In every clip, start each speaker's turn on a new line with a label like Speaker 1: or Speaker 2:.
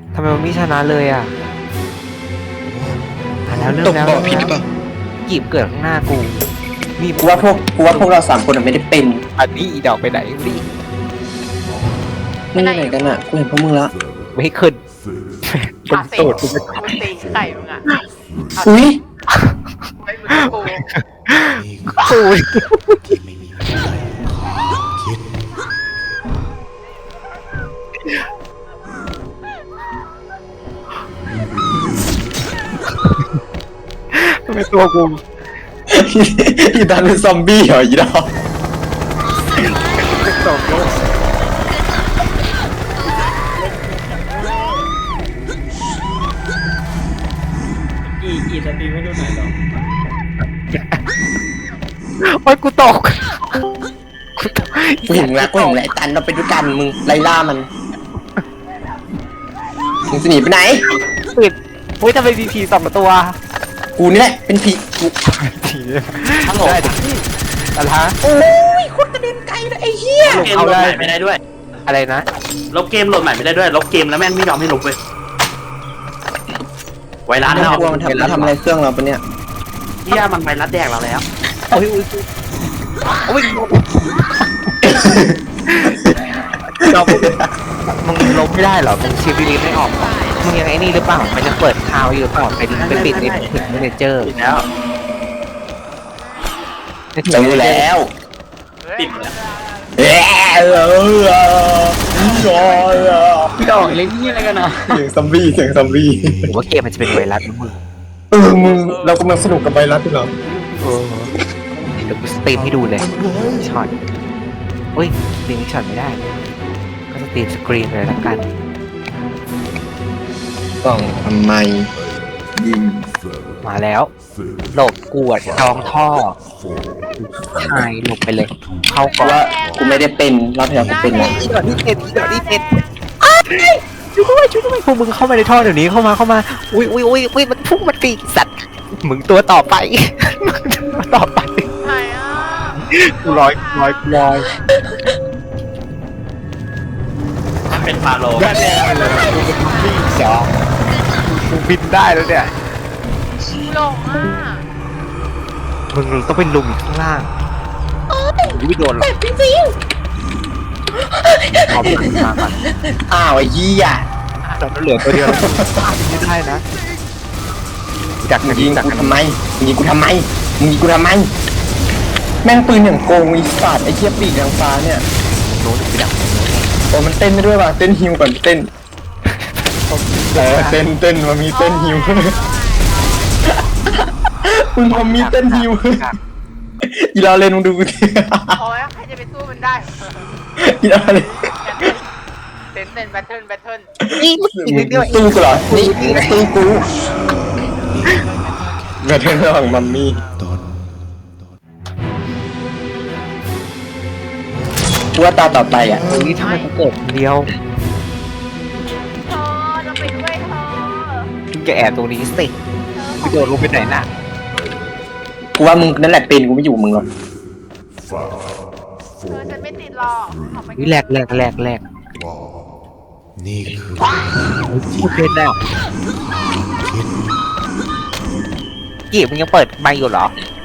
Speaker 1: ทำไมมันไม่ชนะเลยอ่ะแล้วเริ่ม
Speaker 2: ตก
Speaker 1: แล้ว
Speaker 2: บ่อผิดหรือเปล่า
Speaker 1: กีบเกิดข้างหน้ากูนี่
Speaker 2: กูว่าพวกเรา3 คนไม่ได้เป็น
Speaker 1: อันนี้อีดอกไปไหนดิ
Speaker 2: ไม่ไหนกันอ่ะกูเห็นพวกมึงละ
Speaker 1: ไม่ขึ้น
Speaker 3: ขา
Speaker 1: เป็น
Speaker 3: เตะ
Speaker 1: ตูด
Speaker 3: กูตีไข่มึงอ่ะ
Speaker 2: อุ้ย
Speaker 3: ไม่มึงกับกู
Speaker 1: ตูดทำไมตัวกู
Speaker 2: อีดันเป็นซอมบี้เหรออีดอก
Speaker 1: เป็นสองโลก
Speaker 4: อีสตรีมให้ดูหน่อยเหรอ
Speaker 1: โอ๊ยกูตก
Speaker 2: กูเห็นแล้วไอ้ตันเราไปด้วยกันมึงไล่ล่ามันมึงจะหนีไปไหน
Speaker 1: ปิดเฮ้ยทำไมมีผีสองตัว
Speaker 2: กูนี่แหละเป็นผีกู
Speaker 1: ผีได้ดิอะไรฮะ
Speaker 2: โอ้ยคนกระเด็นไกลเลยไอ้เหี้ย
Speaker 4: เกมโหลดใหม่ไม่ได้ด้วย
Speaker 1: อะไรนะ
Speaker 4: ลบเกมโหลดใหม่ไม่ได้ด้วย ลบเกมแล้วแม่งไม่ยอมให้ลบเลยไวรัส
Speaker 2: น่า
Speaker 4: แล้ว
Speaker 2: กลัวมันทำอะไรเครื่องเราปะเนี่ย
Speaker 4: ที่ยมันไวรัสแดกเราแล้ว
Speaker 1: โอ้ยโอ้ยเรามึงลบไม่ได้เหรอมึงชีวิตไม่ออกเหรอมึงยังไงนี่หรือเปล่ามันจะเปิดคาวอยู่หรือเปล่าไปปิดในถึงเมเนเจอร์
Speaker 4: ปิดแล้ว
Speaker 2: เจอแล้ว
Speaker 4: ปิดแล้ว
Speaker 2: พี่ดอกเล่นนี่อะไรกันนะเสียงซอมบี้
Speaker 1: ผมว่าเกมมันจะเป็นไวรัสนะมึง
Speaker 2: มึงเรากำลังสนุกกับไวรัสอยู่เหรอ
Speaker 1: เดี๋ยวกูสตรีมให้ดูเลยช็อตเฮ้ยสตรีมช็อตไม่ได้ ก็สตรีมสกรีนเลยละกัน
Speaker 2: กล่องทำไมยิง
Speaker 1: มาแล้วหลบกวดจองท่อหายหลบไปเลย เข้า
Speaker 2: เพ
Speaker 1: ก่อ
Speaker 2: ราะ
Speaker 1: น
Speaker 2: ว่ากูไม่ได้เป็นรอบที่แล้วกูเป็นนะ
Speaker 1: อีดอกนี่เป็นช่วยด้วยพวกมึงเข้ามาในท่อเดี๋ยวนี้เข้ามาอุ้ยมันพุ่งมันปีกสัตว์มึงตัวต่อไปมึงตัวต่อไป
Speaker 3: ไหนอ่ะ
Speaker 1: กูลอย
Speaker 4: มันเป็นฟาโล
Speaker 1: ได้เลยกูเป็นพี่สองกูบินได้แล้วเนี่ย
Speaker 3: ชี้ลงอ่ะ
Speaker 1: มึงต้องเป็นลุมข้างล่างไม่โดนหรอกเอาไปมาก่อน
Speaker 2: อ้าวไอ้เหี้ย
Speaker 1: ตอนนั้นเหลือตัวเดียวไม่ได้นะจาก
Speaker 2: มึง
Speaker 1: นี้
Speaker 2: ยิง
Speaker 1: จาก
Speaker 2: กูทำไมแม่งปืนอย่างโกงอีสัตว์ไอ้เหี้ยปีกทางฟ้าเนี่ย
Speaker 1: โน้นไปดัก
Speaker 2: โอ้มันเต้นได้ด้วยว่ะเต้นฮิวก่อนเต้นเต้นมันมีเต้นฮิวมึงพอมีเต้นฮิวอีลาเลนมึงดูกูที
Speaker 3: โอ้ยใครจะไปสู้มันได้
Speaker 2: อีลาเลน
Speaker 3: เต้นแบทเทิล
Speaker 1: นี่มึงอีกนิดเดียว
Speaker 2: สู้กูเหรอนี่สู้กูแบบเรื่องระหว่างมัมมี่กูว่าตาต่อไปอ่ะ
Speaker 1: นี่ทำไมกูเกิดคนเดียว
Speaker 3: เธอเราไปด้วยเธอ
Speaker 1: มึงจะแอบตรงนี้สิไปโดดลงไปไหนน่ะ
Speaker 2: กูว่ามึงนั่นแหละเป็นกูไม่อยู่กับมึงหรอก
Speaker 3: เธอฉันไม่ติดหรอกออกไป
Speaker 1: วิแรก
Speaker 5: นี่คือ
Speaker 1: พูดเป็นแล้วกี่มึงยังเปิดไมค์อยู่เหรอ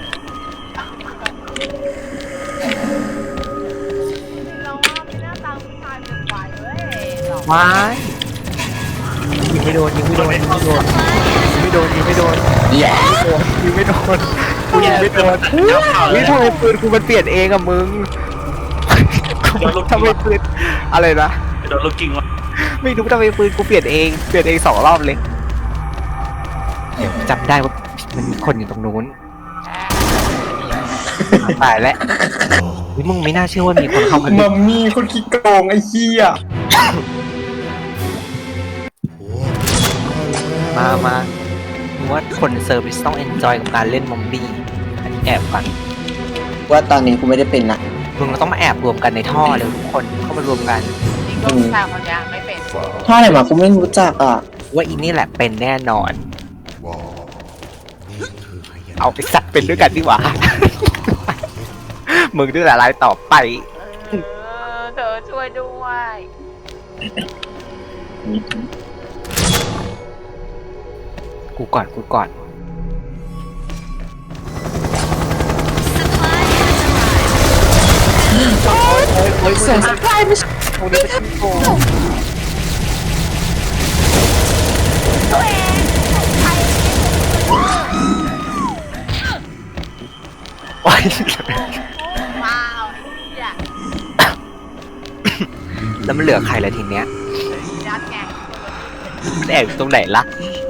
Speaker 3: เราว่ามีหน้าตาผู้ชายเป็นไหวเว้ยหรอ
Speaker 1: ว้ายยิงไม่โดนยิงไม่โดนยิงไม่โดนยิงไม่โดนยิงไม่โดน
Speaker 2: แย่
Speaker 1: ยิงไม่โดนกูยิงไม่โดนนี่ทำไมปืนกูมันเปลี่ยนเองอะมึงทำไมปืนอะไรนะ
Speaker 4: โดนลูกจริงวะ
Speaker 1: ไม่รู้ทำไมปืนกูเปลี่ยนเอง2 รอบเลยเดี๋ยวจำได้ว่ามันมีคนอยู่ตรงนู้นตายแล้วนี่มึงไม่น่าเชื่อว่ามีคนเข้ามา
Speaker 2: มัมมี่คนขี้โกงไอ้เหี้ย
Speaker 1: มามึงว่าคนเซอร์วิสต้องเอนจอยกับการเล่นมอมบี้อันนี้แอบก่อน
Speaker 2: ว่าตอนนี้กูไม่ได้เป็นนะ
Speaker 1: มึงเราต้องมาแอบรวมกันในท่อเลยทุกคนเข้ามารวมกัน
Speaker 3: จริงก็ผู้ชายคนนี้ไม่เป็น
Speaker 2: ท่าไหนมากูไม่รู้จักอ่ะ
Speaker 1: ว่าอีนี่แหละเป็นแน่นอน
Speaker 5: นี่คือพยาน
Speaker 1: เอาไปสัตว์เป็นด้วยกันดีกว่า มึงด้วยอะไรต่อไป
Speaker 3: เธอช่วยด้วย
Speaker 1: กูก่อนกูก่อน
Speaker 2: เสียงสปายไม่ใช่
Speaker 1: กูนี่เป็นโกง
Speaker 3: ตัวเองใคร
Speaker 1: โอ้ย
Speaker 3: ว้าวไอ้เหี้ย
Speaker 1: แล้วมันเหลือใครละทีเนี้ย
Speaker 3: ยัดไง
Speaker 1: มันแอบอยู่ตรงไหนล่ะ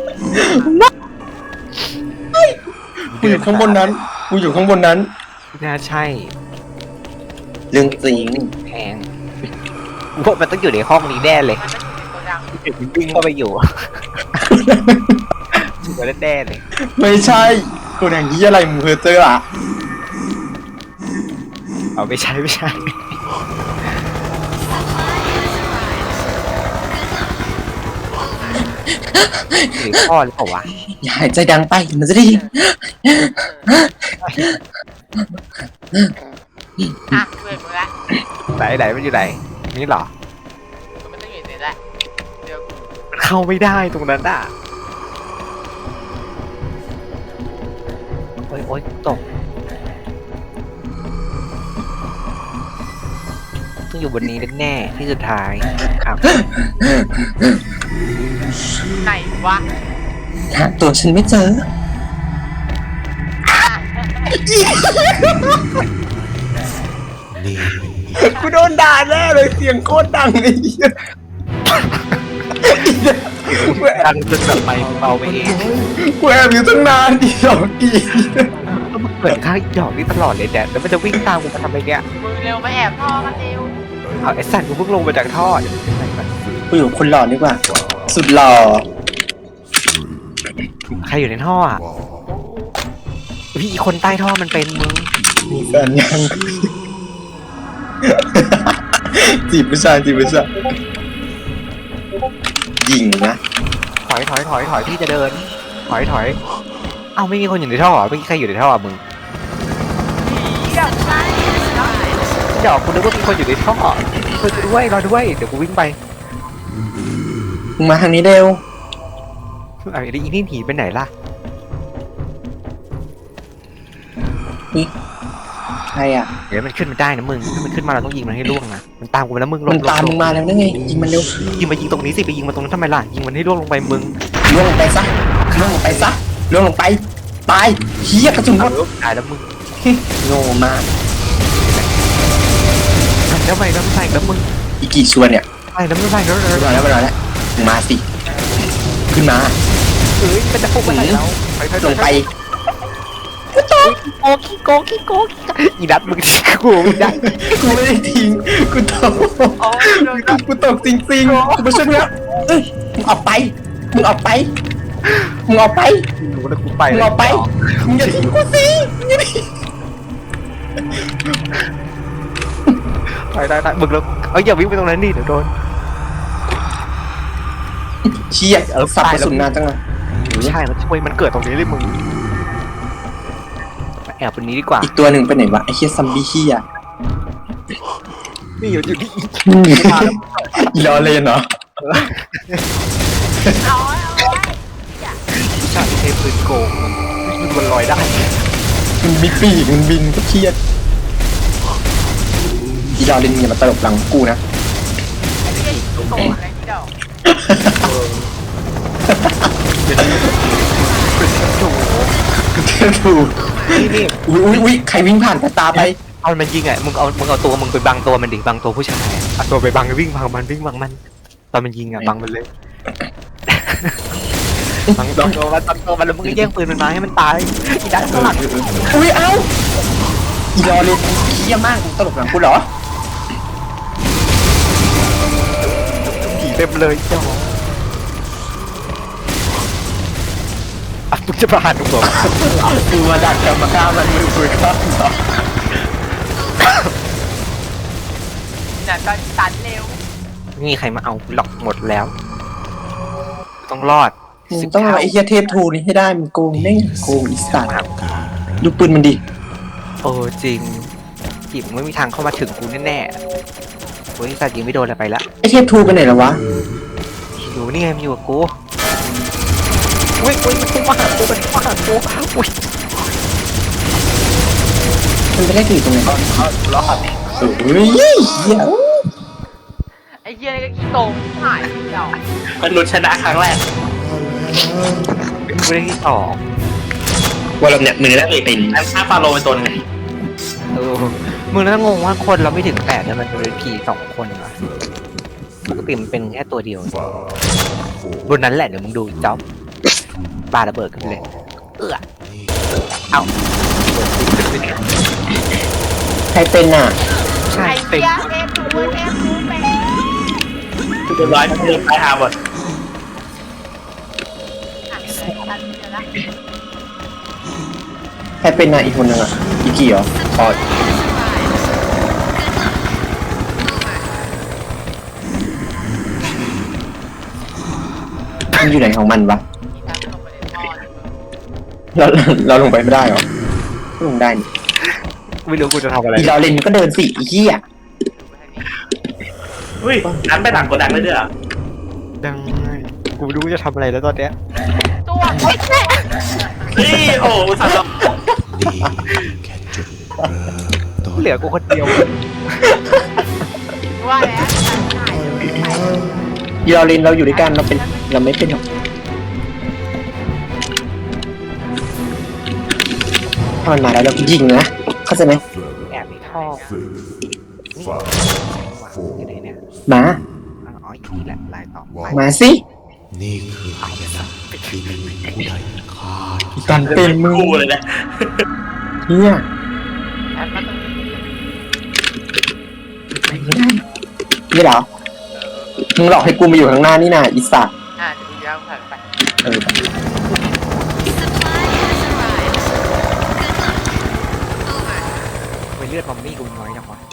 Speaker 2: กูอยู่ข้างบนนั้นกูอยู่ข้างบนนั้น
Speaker 1: น่าใช่
Speaker 2: เรื่องจริง
Speaker 1: แพงกูว่ามันต้องอยู่ในห้องนี้แน่เลย
Speaker 3: มันต้องอยู่ในโกดัง
Speaker 1: วิ่งเข้าไปอยู่ชัวร์แน่ๆเลย
Speaker 2: ไม่ใช่กูอย่างนี้อะไรมึงเพอเจออ่ะ
Speaker 1: เอาไม่ใช่ไม่ใช่หรือพ่อหรือเปล่าวะ
Speaker 2: อย่าหายใจดังไปมันจะได้ยิน
Speaker 3: อ่ะช่วยมึงละ
Speaker 1: ไหนมันอยู่ไหนนี่เหรอ
Speaker 3: มันต้องอยู่ในนี้แหละเดี๋ยวกู
Speaker 1: มันเข้าไม่ได้ตรงนั้นอ่ะโอ๊ยตกต้องอยู่บนนี้แน่ๆที่สุดท้ายครับ
Speaker 3: ไหนวะ
Speaker 2: หาตัวฉันไม่เจอ กูโดนด่าแน่เลยเสียงโคตรดังไอ้เหี้ย
Speaker 1: ดังจนแบบไม่เบาไปเอง
Speaker 2: กูแอบอยู่ตั้งนานอีดอกอี
Speaker 1: แล้วมันเปิดข้างอีดอกนี่ตลอดเลยแดดแล้วมันจะวิ่งตามกูมาทำไมเนี่ย
Speaker 3: มึงเร็วมาแอบท่อกันเร็ว
Speaker 1: เอาไอ้สัตว์กูเพิ่งลงมาจากท่อ
Speaker 2: กูอยู่คนหล่อดีกว่า สุดหล่อ
Speaker 1: ใครอยู่ในท่ออ่ะพี่อีคนใต้ท่อมันเป็นมึง
Speaker 2: มีแฟนยัง จีบผู้ชายยิงนะ
Speaker 1: ถอยพี่จะเดินถอยเอ้าไม่มีคนอยู่ในท่อเหรอไม่มีใครอยู่ในท่ออ่ะมึง
Speaker 3: ผีกับไส้เนาะ
Speaker 1: เดี๋ยวกูนึกว่ามีคนอยู่ในท่อช่วยกูด้วยรอด้วยเดี๋ยวกูวิ่งไป
Speaker 2: มึงมาทางนี้เร็ว
Speaker 1: ไอ้อีนี่หนีไปไหนล่ะ
Speaker 2: ใครอ่ะ
Speaker 1: เดี๋ยวมันขึ้นมาได้นะมึงถ้ามันขึ้นมาเราต้องยิงมันให้ล่วงนะมันตามกูมาแล้วมึง
Speaker 2: มันตามมึงมาแล้วนั่นไงยิงมันเร็ว
Speaker 1: ยิงมายิงตรงนี้สิไปยิงมาตรงนั้นทำไมล่ะยิงมันให้ล่วงลงไปมึง
Speaker 2: ล่วงลงไปซะล่วงลงไปซะล่วงลงไปตายเฮียกระสุนหมด
Speaker 1: ตายแล้วมึง
Speaker 2: โง่มาก
Speaker 1: แล้วไปแล้วมึง
Speaker 2: อีกกี่ส่วนเนี่ย
Speaker 1: ไปแล้วมึงไปแล้ว
Speaker 2: มารอแล้วมึงมาสิขึ้นมา
Speaker 1: เอ้ยมันจะพุ่งไปไหนแล้วไป
Speaker 2: ลงไป
Speaker 1: โกอีนัดมึงทิ้งกูมึงได้
Speaker 2: กูไม่ได้ทิ้งกูตก
Speaker 3: โอ้ยโดนจับ
Speaker 2: กูตกจริงๆกูไม่ใช่แล้วเอ้ยมึงออกไปมึงออกไปมึงออกไป
Speaker 1: รู้แล้วกูไป
Speaker 2: มึงออกไปมึงอย่าทิ้งกูสิมึงอย่าทิ้ง
Speaker 1: ได้มึงแล้วอย่าวิ่งไปตรงนั้นดิเดี๋ยวโดน
Speaker 2: เชี่ยสับกระสุนนานจังเลย
Speaker 1: ใช่มันช่วยมันเกิดตรงนี้เลยมึงแอบตรงนี้ดีกว่า
Speaker 2: อีกตัวหนึ่งไปไหนวะไอ้เชี่ยซัมบี้เฮีย
Speaker 1: นี่อยู่นี่
Speaker 2: อีลอเลนเหรอ
Speaker 3: เอาไว้
Speaker 1: ผู้ชายที่ใช้ปืนโกงมันลอยได้
Speaker 2: มันมีปีกมันบินก็เครียดอีลอเลนอย่ามาตลบหลังกูนะ
Speaker 3: ไอ้เหี้ยโกรธอะไรที่เดา
Speaker 2: ถูก
Speaker 1: นี่
Speaker 2: อุ้ยใครวิ่งผ่านตาไป
Speaker 1: เอามันยิงอ่ะมึงเอาตัวมึงไปบังตัวมันดิบังตัวผู้ชายเอาตัวไปบังวิ่งบังมันตอนมันยิงอ่ะบังมันเลยบังตัวมันแล้วมึงก็แย่งปืนมันมาให้มันตายอีด้านข้างหลัง
Speaker 2: อุ้ยเอ้าอีลอเลนเคี้ยมากตลบหลังกูเหรอ
Speaker 1: ผีเต็มเลยจ้ามึงจะประหารกูเหรอ
Speaker 2: กูมาดักกรรมการมันมือคุยครับ
Speaker 3: เนี่ยตอนตันเร็ว
Speaker 1: นี่ใครมาเอาหลอกหมดแล้ว ต้องรอด
Speaker 2: มึงต้องเอาไอ้เฮียเทพทูนี่ให้ได้มึงโกงแม่งโกงอีสัตว์ดูปืนมันดิ
Speaker 1: โอ้จริงจีบมึงไม่มีทางเข้ามาถึงกูแน่ๆโอ้ยสัตว์ยิงไม่โดนอะไรไปละ
Speaker 2: ไอ้เทพทูไปไหนแล้ววะ
Speaker 1: อยู่นี่ไงมันอยู่กับกูอุ้ยมันพุ่งมาหากูอุ้ย
Speaker 2: มันไปได้กี่ตรงไหน
Speaker 1: รอด
Speaker 2: เฮ้ยเหี้ย
Speaker 3: ไอ้เหี้ยนี่ก็ขี้โตงหายเดียว
Speaker 4: มนุษย์ชนะครั้งแรก
Speaker 1: กูได้ที่สอง
Speaker 2: ว่าเราเนี่ยมือแล้วเป็น
Speaker 4: อันฆ่าฟาโรห์เป็นตัวหนึง
Speaker 1: มึงน่างงว่าคนเราไม่ถึง8แต่มันเป็นผี2 คนวะปกติมันเป็นแค่ตัวเดียวบนนั้นแหละเดี๋ยวมึงดูจ๊อบปาระเบิดขึ้นไปเลยเอา
Speaker 2: ใครเป็นอ่ะ
Speaker 1: ใช่
Speaker 3: ไอ้
Speaker 1: เป็น
Speaker 3: เหี้ยเอฟรู้เป็น
Speaker 4: เรียบร้อยเรียบไปหาหมด
Speaker 2: ใครเป็นอ่ะอีกคนนึงอ่ะอีกี่เหรออ๋อมันอยู่ไหนของมันวะเราเราลงไปไม่ได้เหรอลงได้นี่
Speaker 1: ไม่รู้กูจะทำอะไร
Speaker 2: อีเราเล่นมันก็เดินสิอีกี้อ่ะ
Speaker 4: อุ้ยนั้นไปหลังกดดังเลยเด้อ
Speaker 1: ดังกูไม่รู้จะทำอะไรแล้วตอนเนี้ย
Speaker 3: ตัวโอ๊ยแม่
Speaker 4: เฮ้ยโอ้สัตว์
Speaker 1: เหลือกูคนเดียว
Speaker 3: ว่าแล้วหายไป
Speaker 2: อีเราเล่นเราอยู่ด้วยกันเราเป็นเราไม่เป็นหรอกถ้ามันมาแล้วเราก็ยิงนะเข้าใจไหม
Speaker 1: แอบในท่อนี่อยู่ไหนเนี่ย
Speaker 2: มา
Speaker 1: อ๋ออีกทีแหละลายต่อไป
Speaker 2: มาสิ
Speaker 5: นี่คืออายนะที่ไม่มีผู้ใดฆ่า
Speaker 2: กันเป็นมือ
Speaker 4: กูเลยนะ
Speaker 2: เนี่ย
Speaker 3: แอบมาตรงนี้
Speaker 2: นี่เหรอมึงหลอกให้กูมาอยู่ข้างหน้านี่นะอีสัตว์
Speaker 3: เดี๋ยวดูยาวผ่านไป
Speaker 2: เออ
Speaker 1: ไปเลือดมัมมี่กูน้อยจังวะ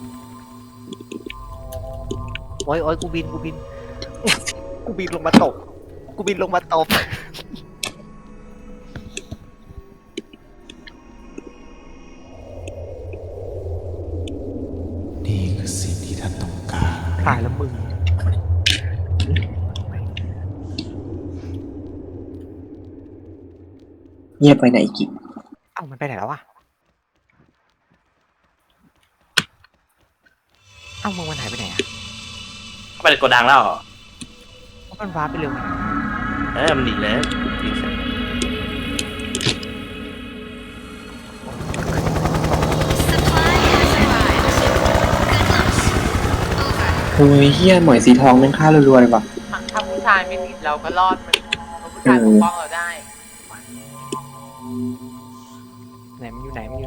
Speaker 1: โอ้ยกูบินกูบินลงมาตกตบ
Speaker 5: นี่คือสิ่งที่ท่านต้องการ
Speaker 1: ตายแล้วมึง
Speaker 2: เงียบไปไหนอีก
Speaker 1: เอ้ามันไปไหนแล้ววะเอ้ามึงมันหายไปไหนอะ
Speaker 4: เข้าไปในกดดังแล้วเหรอ
Speaker 1: มันว้าร์ปไปเร็วไง
Speaker 4: มันหนีเลยหนีเสร็จ
Speaker 2: โอ้ยเฮียหมอยสีทองแม่งฆ่ารัวๆเลยว่ะ
Speaker 3: ถ้าผู้ชายไม่ติดเราก็รอดมันเพราะผู้ชายปกป้องเราได้
Speaker 1: ไหนมันอยู่ไหนทำ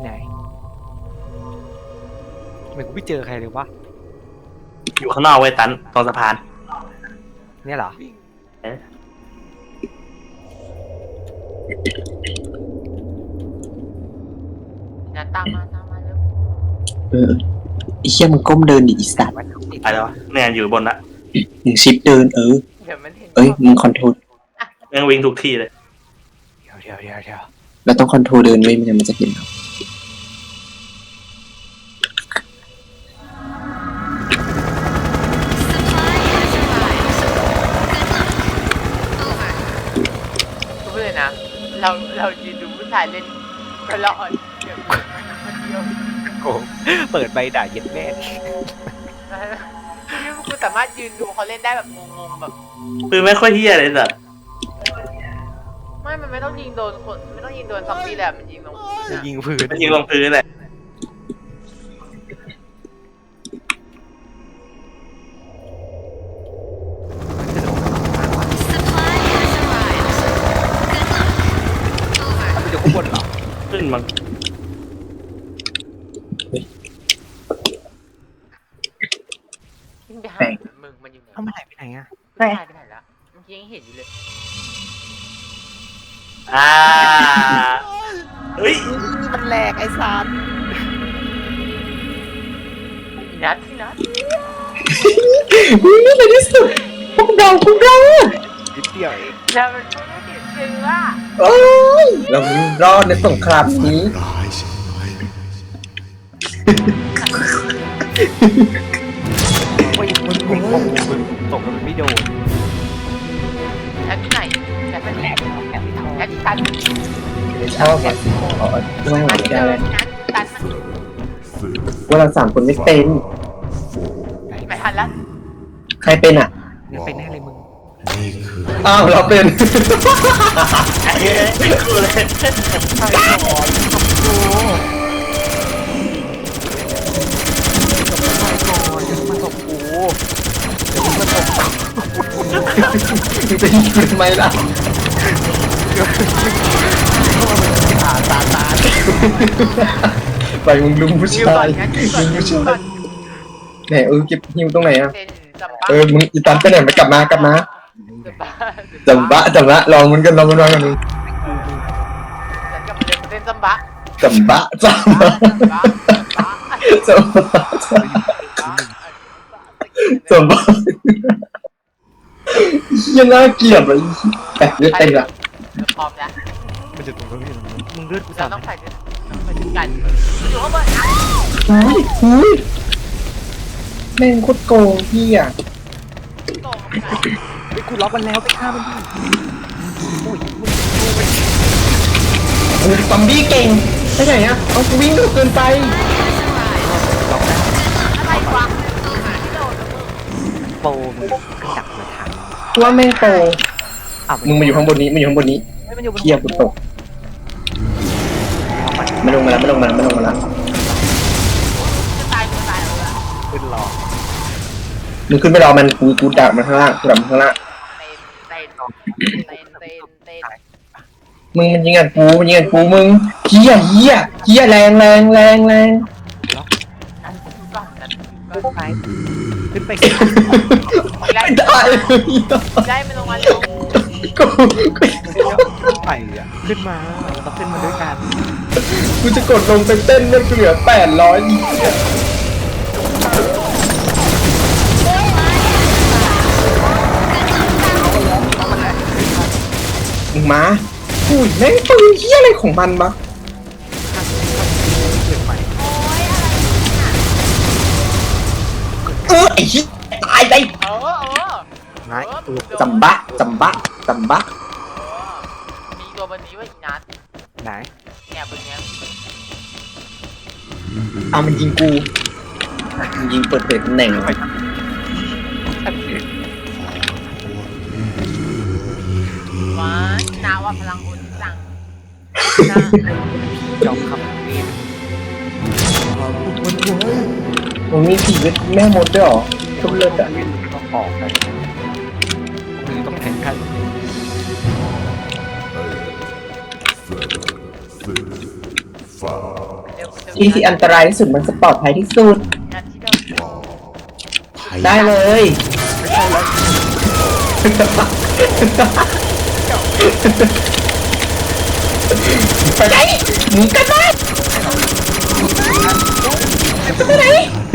Speaker 1: ไมกูไม่เจอใครเลยวะ
Speaker 4: อยู่ข้างนอกเว้ยตันตรงสะพาน
Speaker 1: เนี่ยเหรอ
Speaker 3: นะตามมาเร็ว
Speaker 2: เออไอ้เฮียมึงก้มเดินดิอีสัตว์
Speaker 1: มันติด
Speaker 4: ไปแล้ววะเนี่ยอยู่บนละ
Speaker 2: หนึ่งชิปเดิน
Speaker 3: เดี๋ยวมันเห็น
Speaker 2: เอ้ยมึงคอนโทรล
Speaker 4: แม่งวิ่งทุกที่เลย
Speaker 1: เดี๋ยว
Speaker 2: เราต้องคอนโทรลเดินไว้ไม่งั้นมันจะเห็นเรา
Speaker 3: รู้เลยนะเรายืนดูผู้ชายเล่นก็รอดเดี๋ยวมันเดียว
Speaker 1: โกเปิดใบด่าเย็ดแม่
Speaker 3: นี่กูสามารถยืนดูเขาเล่นได้แบบงงๆแบบ
Speaker 4: ปืนไม่ค่อยเฮี้ยเลยสัตว์
Speaker 3: มันไม่ต้องยิงโดนคนไม่ต้องยิงโดนซอมบี้แหละมันยิงลง
Speaker 1: จะยิงพื้น
Speaker 4: มันยิงลงพื้นเลย
Speaker 1: มันอยู่ข้างบนเหรอ
Speaker 4: ขึ้นมัน
Speaker 3: ยิงไปหามึงมันอยู่ไหน
Speaker 1: เอ้ามันหายไปไหนอะ
Speaker 3: หายไปไหนแล้วเมื่อกี้ยังเห็นอยู่เลย
Speaker 4: เฮ้ย
Speaker 1: มันแหลกไอ้สาร
Speaker 3: พี่นัท
Speaker 2: วิ่งในที่สุดพวกเรา
Speaker 1: นิดเดียวเอง
Speaker 3: แล้วมันไม่ได้ติดเชื้อ
Speaker 2: โอ้ยเรารอดในสงครามนี้
Speaker 5: ร้ายใช่ไหม
Speaker 1: โอ้ยมึงตกแล้วมันไม่โดน
Speaker 3: แอปที่ไหนแอปเป็นแอป
Speaker 1: แอบไม่ทอ
Speaker 3: แอ
Speaker 1: ด
Speaker 3: ปที่ตัน
Speaker 2: ชอบอ่ะอ๋อไม่ไหว
Speaker 3: ตัน
Speaker 2: แก
Speaker 3: เดิ
Speaker 2: เล
Speaker 3: น
Speaker 2: ย
Speaker 3: นั้นตันมัน
Speaker 2: ว่าเรา3 คนไม่เป็น
Speaker 3: ไม่ทันแล้ว
Speaker 2: ใครเป็นอ่ะ
Speaker 1: มึงเป็นแน่เลยมึง
Speaker 5: นี่คือ
Speaker 2: อ้าวเราเป็น
Speaker 4: กูเลย
Speaker 1: ใช่หรอโอ้จะมาตบกูเดี๋ยวมาตบ
Speaker 2: มึงจะยิงกูทำไมล่ะ
Speaker 1: ตา
Speaker 2: ไปมึงลุงผู้
Speaker 3: ยิวก่
Speaker 2: ชา
Speaker 3: อน
Speaker 2: ย
Speaker 3: งั้นยิวก่อน
Speaker 2: ลุง
Speaker 3: ยิ
Speaker 2: ผู้
Speaker 3: วก่อ
Speaker 2: ชาน ยไหนเก็บฮิวตรงไหนอ่ะ
Speaker 3: เต้นจำบ้า
Speaker 2: มึงอีตันไปไหนไม่กลับมากลับมา
Speaker 3: จำบ้า
Speaker 2: จำบะลองมันกันลองกันมึง
Speaker 3: ฉันกลับมาเต้นจำบ้า
Speaker 2: จำบะ
Speaker 3: จำบ้าจำบ้า
Speaker 2: จำบะจำบะยังน่าเกลียดเลยแต่เลือดเต็มละ
Speaker 3: พร้อมแล้ว
Speaker 1: มันจะตรงนี้มึงเลือดกู
Speaker 3: เรา
Speaker 1: สั่น
Speaker 3: ต้องใส่ด้วยต้องใส่ด้วยกันอยู่ข้างบนนะ
Speaker 2: หุ้ยแม่งโคตรโกงพี่อ่ะ
Speaker 3: โตง
Speaker 1: ไปกูล็อกมันแล้วไปฆ่ามันดิโอ้ยมึง
Speaker 2: โอ้ยซอมบี้เก่งไปไหนอ่ะเอากูวิ่งเร็วเกินไป
Speaker 1: ล็อกได้
Speaker 3: อะไรวะหาที่โดนแล้วมึง
Speaker 1: โปมึงกระดักมาทาง
Speaker 2: กูว่าแม่งโต
Speaker 1: อ้าว
Speaker 2: มึงมาอยู่ข้างบนนี้มาอยู่ข้างบนนี้
Speaker 1: ไม่มันอยู่บน
Speaker 2: เกียร์กูตกไม่ลงมาแล้วไม่ลงมาแล้วไม่ลงมาแล้ว
Speaker 3: จะตายจะตายแล้วอะ
Speaker 1: ขึ้นรอ
Speaker 2: มึงขึ้นไปรอมันกูดักมันข้างล่างกูดักมันข้างล่าง
Speaker 3: เต้นเต้น
Speaker 2: มึงมันยิงอัดกูมันยิงอัดกูมึงเฮียแรงแรงแรงแรง
Speaker 3: ก่อนกัน
Speaker 1: ขึ้นไปขึ้นไป
Speaker 2: ไม่ได้เลย
Speaker 3: ได้ไม่ลงมาเร็ว
Speaker 2: กู
Speaker 1: ขึ้นไปอ่ะขึ้นมาเราต้องขึ้นมาด้วยกัน
Speaker 2: กูจะกดลงไปเต้นมันเหลือ800อีกมึงมาอุ้ยแม่งปืนเฮียอะไรของมันวะ
Speaker 1: ขึ้นไป
Speaker 2: ไอ้เฮียตายได้
Speaker 1: ไม้ตัว
Speaker 2: จำบะจำบะจำบะ
Speaker 3: มีตัวบันนี้ว่าอีนัท
Speaker 1: ไหน
Speaker 3: เนี่ยบนเนี้ย
Speaker 2: มันยิงกูมันยิงเปิดเผยตำแหน่งไป
Speaker 3: ว้านาว่าพลังอุ่นจัง
Speaker 1: จอมคำเรียน
Speaker 2: มึงมีผีเวทแม่มดด้วยเหรอทุกเลิศอ่ะ
Speaker 1: ต้องออกไปมือต้องแข่งขัน
Speaker 2: ที่ที่อันตรายที่สุดมันจะปลอดภัยที่สุด
Speaker 3: นัทที่เดิม
Speaker 2: ได้เลยไปไหนหนีกันไหมไปไหน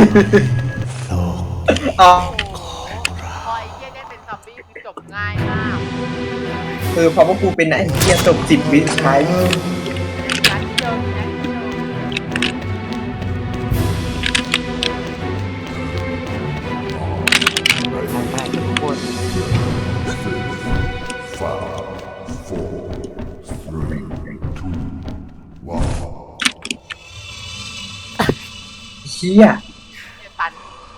Speaker 2: อ๋อ
Speaker 3: พอไอ้เหี้ยได้เป็นซอมบี้คือจบง่ายมาก
Speaker 2: คือเพราะว่ากูเป็นไอ้เหี้ยจบ10 วิสุดท้าย
Speaker 3: นัทที่เดิมนัทที่เดิม
Speaker 1: ไปทุกคน
Speaker 2: เหี้ย
Speaker 3: เนี่ยตัน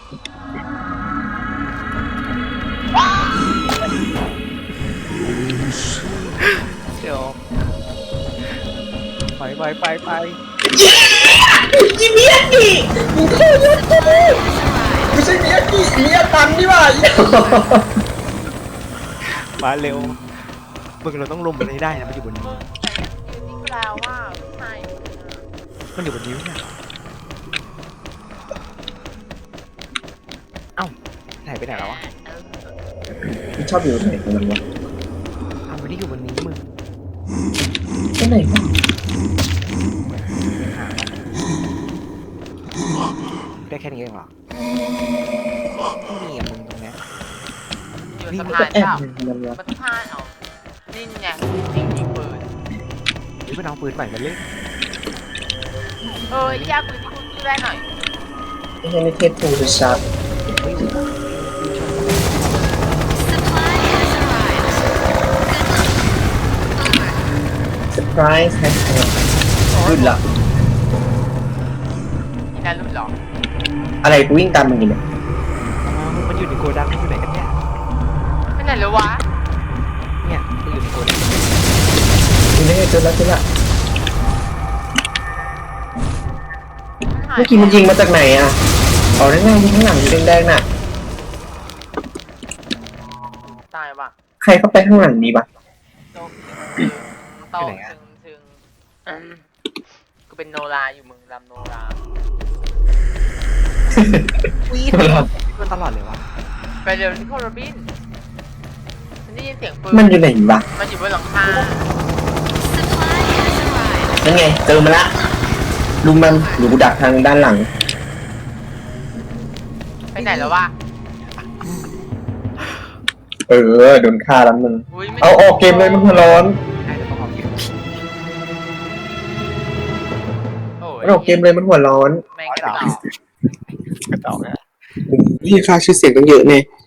Speaker 1: เดี๋ยวไป
Speaker 2: อีเมียกี่มึงโคตรยุ่งกูไม่ใช่เมียกี่เมียตันนี่หว่า
Speaker 1: มาเร็วมึงเราต้องลงไปให้ได้นะมันอยู่บนนี้
Speaker 3: มึงแต่ยืนนี่แปลว่าผู้ชาย
Speaker 1: มันอยู่บนนี้เนี่ยเอ้าหายไปไหนแล้ววะ
Speaker 2: มึงชอบอยู่ไหนของมันวะ
Speaker 1: อ้าวไม่ได้อยู่บนนี้มึง
Speaker 2: ที่ไหนวะ
Speaker 1: ได้แค่นี้เองเหรอไม่มีอ่ะมึงตรงเนี้ย
Speaker 3: อยู่สะ
Speaker 2: มัน
Speaker 3: พา
Speaker 2: ก็
Speaker 3: น
Speaker 2: แอบ
Speaker 3: เปล่า
Speaker 2: อยู่มันวะ
Speaker 3: มันสะพานเอานี่ไงยิงปืน
Speaker 1: หรือมันเอาปืนใหม่มาเล่น
Speaker 3: ยากปืนที่คุณซื้อได้หน่อย
Speaker 2: ไม่ใช่ในเทปทูจะชัด
Speaker 1: ไม่อยู่
Speaker 2: surprise แฮชแท็กขึ้นละ
Speaker 3: นี่น่ารุ่นหรอ
Speaker 2: อะไรกูวิ่งตามมึงอยู่เนี่ย
Speaker 1: มันอยู่ในโกดังอยู่ไหนกันเนี่ย
Speaker 3: ไปไหนแล้ววะ
Speaker 1: เนี่ยมันอยู่ในโกดัง
Speaker 2: กูนี่เจอแล้วเจอละ
Speaker 3: หาย
Speaker 2: เมื่อกี้มันยิงมาจากไหนอ่ะอ๋อนั่นไงยิงข้างหลังสีแดงๆน่ะ
Speaker 3: ตายว่ะ
Speaker 2: ใครเข้าไปข้างหลังนี้ปะ
Speaker 3: โตถึงกูเป็นโนราอยู่มึงรำโนรา
Speaker 1: วิ่งมันตลอดเลยวะ
Speaker 3: ไปเร็วที่โคโรบินฉันได้ยินเสียงปืน
Speaker 2: มันอยู่ไหนวะ
Speaker 3: มันอยู่บนหลังคา
Speaker 2: นั่นไงเจอมาละลุมมันหรือกูดักทางด้านหลัง
Speaker 3: ไปไหนแล้ววะ
Speaker 2: โดนฆ่าแล้วมึง
Speaker 3: อุ้ยไม่
Speaker 2: เอาออกเกมเลยมันหัวร้อน
Speaker 1: ได้แล้วก็ออกเกม
Speaker 3: โอ้ย
Speaker 2: มันออกเกมเลยมันหัวร้อน
Speaker 3: แม่งกระต่อก
Speaker 1: ระจอกนะ
Speaker 2: พี่ค่าชื่อเสียงตั้งเยอะเนี่ย